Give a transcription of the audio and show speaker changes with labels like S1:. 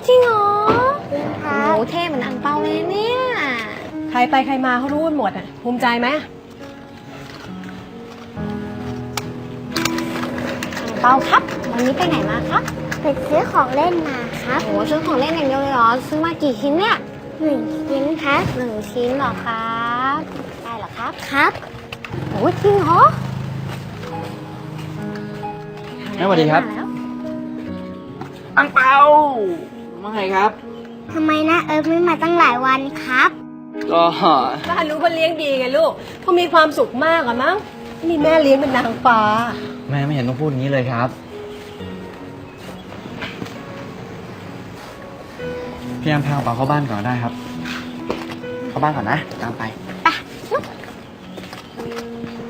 S1: จริงเหรอ
S2: จริงค
S1: โอ้
S2: รับ
S1: โหเท่เหมือนอังเปาเลยเนี่ย
S3: ใครไปใครมาเขารู้กันหมดอ่ะภูมิใจไหม
S1: อังเปาครับ วันนี้ไปไหนมาครับ
S2: ไปซื้อของเล่นมาครับ
S1: โอ้โหซื้อของเล่นอย่างเดียวเลยเหรอ ซื้อมากี่ชิ้นเนี่ย
S2: 1 ชิ้นครับ
S1: 1 ชิ้นเหรอครับได้เหรอครับ
S2: ครับ
S1: โอ้จริงเหรอ
S4: แม่สวัสดีครับ
S1: มาแล้ว
S4: อังเปาว่าไงครับ
S2: ทำไมนะไม่มาตั้งหลายวันครับ
S4: ก็
S3: บ้านรู้ว่าเลี้ยงดีไงลูกเขามีความสุขมากอะมั้งนี่แม่เลี้ยงเป็นนางฟ้า
S4: แม่ไม่เห็นต้องพูดอย่างนี้เลยครับ พี่แอมพาอังเปาเข้าบ้านก่อนได้ครับ เข้าบ้านก่อนนะ ตามไป